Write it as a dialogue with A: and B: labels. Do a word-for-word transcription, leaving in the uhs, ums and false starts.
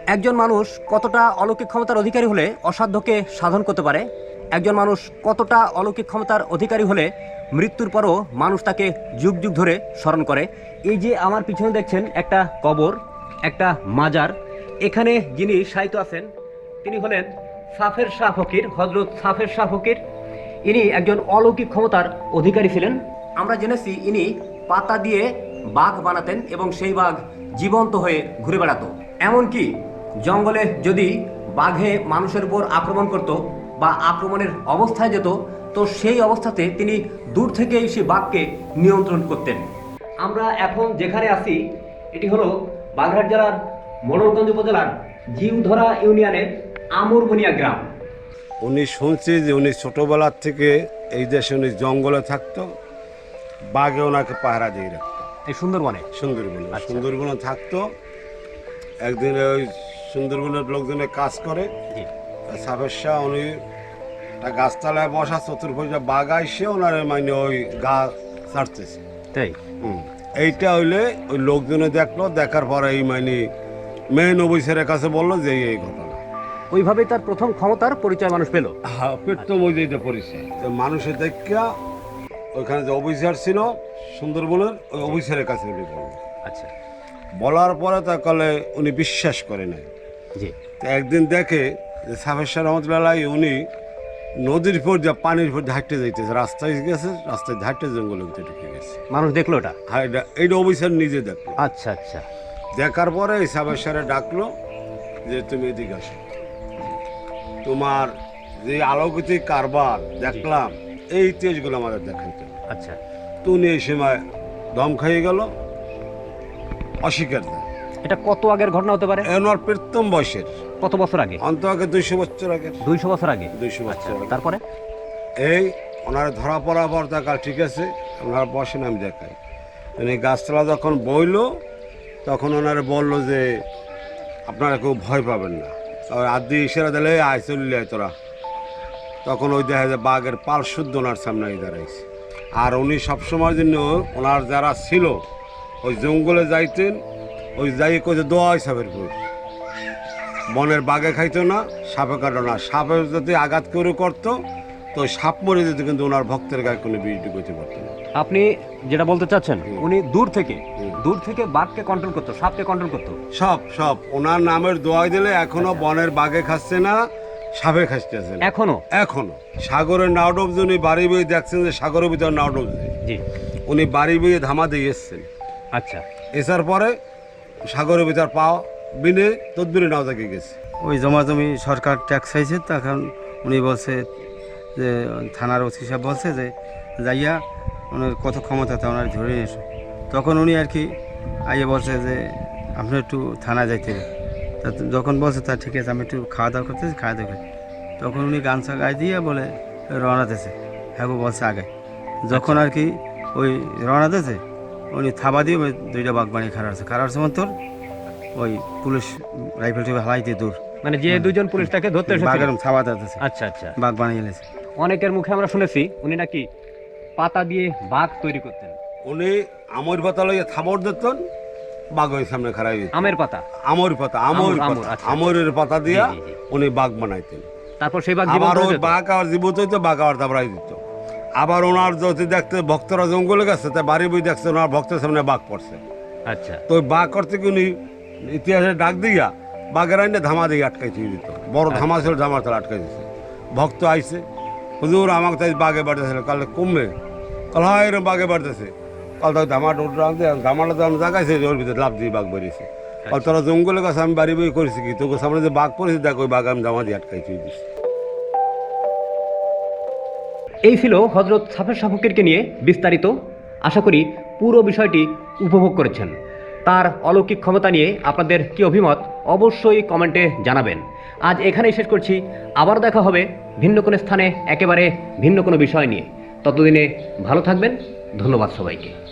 A: একজন মানুষ কতটা অলৌকিক ক্ষমতার অধিকারী হলে অসাধ্যকে সাধন করতে পারে, একজন মানুষ কতটা অলৌকিক ক্ষমতার অধিকারী হলে মৃত্যুর পরও মানুষ তাকে যুগ যুগ ধরে স্মরণ করে। এই যে আমার পিছনে দেখছেন একটা কবর, একটা মাজার, এখানে যিনি শায়িত আছেন তিনি হলেন সাফের শাহ ফকির, হজরত সাফের শাহ ফকির। ইনি একজন অলৌকিক ক্ষমতার অধিকারী ছিলেন। আমরা জেনেছি ইনি পাতা দিয়ে বাঘ বানাতেন এবং সেই বাঘ জীবন্ত হয়ে ঘুরে বেড়াতো। এমনকি জঙ্গলে যদি বাঘে মানুষের উপর আক্রমণ করত বা আক্রমণের অবস্থায় যেত, তো সেই অবস্থাতে তিনি দূর থেকেই সেই বাঘকে নিয়ন্ত্রণ করতেন। আমরা এখন যেখানে আছি এটি হলো বাগেরহাট জেলার মোড়লগঞ্জ উপজেলার জিউধরা ইউনিয়নের আমরবনিয়া গ্রাম।
B: উনি শুনছি যে উনি ছোটোবেলার থেকে এই দেশে উনি জঙ্গলে থাকতো, বাঘে ওনাকে পাহারা দিয়ে রাখতো।
A: এই সুন্দরবনে
B: সুন্দরবনে সুন্দরবনে থাকতো। একদিন ওই সুন্দরবনের লোকজনে কাজ করে, সাফের শাহ উনি একটা গাছতলায় বসা, চতুর্ভুজে বাঘ আইসে ওনার মানে ওই গাছ ছাড়তেছে।
A: তাই
B: হুম এইটা হইলে ওই লোকজনে দেখলো, দেখার পরে এই মানে মেন অফিসারের কাছে বললো যে এই ঘটনা।
A: ওইভাবেই তার প্রথম ক্ষমতার পরিচয় মানুষ পেল।
B: হ্যাঁ, প্রথম ওই যে পরিচয় তো মানুষের দেখা ওইখানে যে অফিসার ছিল সুন্দরবনের, ওই অফিসারের কাছে উনি বলল।
A: আচ্ছা,
B: বলার পরে তা কলে উনি বিশ্বাস করে নাই।
A: জি।
B: তো একদিন দেখে যে সাফের শাহ রহমতুল্লাহ উনি নদীর উপর যা পানির উপর ঝাঁটতে যাইতেছে, রাস্তায় গেছে, রাস্তায় ঝাঁটতে জঙ্গলের ভিতরে ঢুকে গেছে।
A: মানুষ দেখলো ওটা?
B: হ্যাঁ, এটা এইটা অফিসার নিজে দেখলো।
A: আচ্ছা আচ্ছা।
B: দেখার পরে এই সাফের শাহরে ডাকলো যে তুমি এদিকে আসো, তোমার যে আলোকিতিক কারবার দেখলাম এই তেজগুলো আমাদের দেখাইতে।
A: আচ্ছা।
B: তো উনি এই সময় দম খাইয়ে গেল, অস্বীকার দেয়।
A: এটা কত আগের ঘটনা হতে পারে?
B: ওনার প্রথম বয়সের,
A: কত বছর আগে?
B: অন্ত আগে দুইশো বছর আগে।
A: দুইশো বছর আগে?
B: দুইশো
A: আচ্ছা,
B: বছর আগে।
A: তারপরে
B: এই ওনার ধরা পড়া পর দেখাল, ঠিক আছে ওনার বসেন আমি দেখাই। উনি গাছতলা যখন বইল তখন ওনারা বললো যে আপনারা কেউ ভয় পাবেন না। আর আদি ইশারা দিলে আয় চললে তোরা। তখন ওই দেখা যায় বাঘের পাল শুদ্ধ ওনার সামনে দাঁড়াইছে। আর উনি সবসময়ের জন্য ওনার যারা ছিল ওই জঙ্গলে যাইতেন, ওই যাই কোথাও দোয়া সাপের পুর বনের বাঘে খাইতো না, সাপে কাটো না। সাপের যদি আঘাত করে করতো তো সাপ মরে যেত, কিন্তু ওনার ভক্তের গায়ে কোনো বিরুদ্ধে করতে পারতো না।
A: আপনি যেটা বলতে চাচ্ছেন উনি দূর থেকে দূর থেকে বাঘকে কন্ট্রোল করতো, সাপকে কন্ট্রোল করতো,
B: সব সব ওনার নামের দোয়াই দিলে এখনো বনের বাঘে খাচ্ছে না, সাপে খাচ্ছে না
A: এখনো
B: এখনো। সাগরের নাও ডুবছে, উনি বাড়ি বয়ে দেখছেন যে সাগরের ভিতরে নাও ডুবছে,
A: জি।
B: উনি বাড়ি বয়ে ধামা দিয়ে এসছেন।
A: আচ্ছা।
B: এসার পরে সাগরের ভিতর পাওয়া বিনে তদবিরে নাও থেকে গেছে।
C: ওই জমা জমি সরকার ট্যাক্স চাইছে, তখন উনি বলছে যে থানার ওসি সাহেব বলছে যে যাইয়া ওনার কত ক্ষমতা তা ওনার ধরে নিয়ে এসো। তখন উনি আর কি আইয়ে বলছে যে আপনি একটু থানা যাইতে হবে। তা যখন বলছে তা ঠিক আছে আমি একটু খাওয়া দাওয়া করতেছি, খাওয়া দাওয়া করি। তখন উনি গামছা গায়ে দিয়ে বলে রওনা দিয়েছে। হ্যাঁ বলছে আগে যখন আর কি ওই রওনা দিয়েছে, উনি থাবা দিয়ে ওই দুইটা বাঘ বানিয়ে খারাপ আছে খারাপ আছে তোর ওই পুলিশ রাইফেল টিফেল হালাই দিয়ে দূর,
A: মানে যে দুজন পুলিশ তাকে ধরতে এসেছিল
C: বাঘের থাবা দিতেছে।
A: আচ্ছা আচ্ছা।
C: বাঘ বানিয়ে এনেছে।
A: অনেকের মুখে আমরা শুনেছি উনি নাকি পাতা দিয়ে বাঘ তৈরি করতেন।
B: উনি আমর পাতা লইয়া থাবর দিতেন, বাঘ ওই সামনে খারাই দিত।
A: আমের পাতা?
B: আমর পাতা, আমর
A: আমর,
B: পাতা,
A: আচ্ছা।
B: আমরের পাতা দিয়া
A: জি, জি, জি।
B: উনি বাঘ বানাইতেন।
A: তারপর সেই বাঘ
B: আবার
A: জীবন্ত
B: ওই
A: হয়ে যেত?
B: বাঘ আবার জীবিত হইতো, বাঘ আবার দাবড়াই দিত। আবার ওনার যদি দেখতে ভক্তরা জঙ্গলে গেছে, তাই বাড়ি বই দেখছে ওনার ভক্তের সামনে বাঘ পড়ছে।
A: আচ্ছা।
B: তো ওই বাঘ করতে কি উনি ইতিহাসে ডাক দিয়া বাঘের আইনে ধামা দিয়ে আটকাই দিয়ে দিত। বড় ধামা ছিল, ধামার তারা আটকাই দিচ্ছে। ভক্ত আইছে, হুজুর আমাকে তাই বাঘে বাড়তেছিল, কালে কমবে, কাল হয় এরকম বাঘে বাড়তেছে। কাল তাই ধামাটা উঠে আনতে, ধামাটা যখন জাগাইছে ওর ভিতরে লাভ দিয়ে বাঘ বেরিয়েছে। আর তোরা জঙ্গলের কাছে আমি বাড়ি বই করেছি কি, তোকে সামনে যে বাঘ পড়েছে দেখ, ওই বাঘ আমি ধামা দিয়ে আটকাই দিয়ে দিচ্ছি।
A: এই ছিল হজরত সাফের শাহ ফকিরকে নিয়ে বিস্তারিত। আশা করি পুরো বিষয়টি উপভোগ করেছেন। তার অলৌকিক ক্ষমতা নিয়ে আপনাদের কি অভিমত অবশ্যই কমেন্টে জানাবেন। আজ এখানেই শেষ করছি, আবার দেখা হবে ভিন্ন কোনো স্থানে একেবারে ভিন্ন কোনো বিষয় নিয়ে। ততদিনে ভালো থাকবেন। ধন্যবাদ সবাইকে।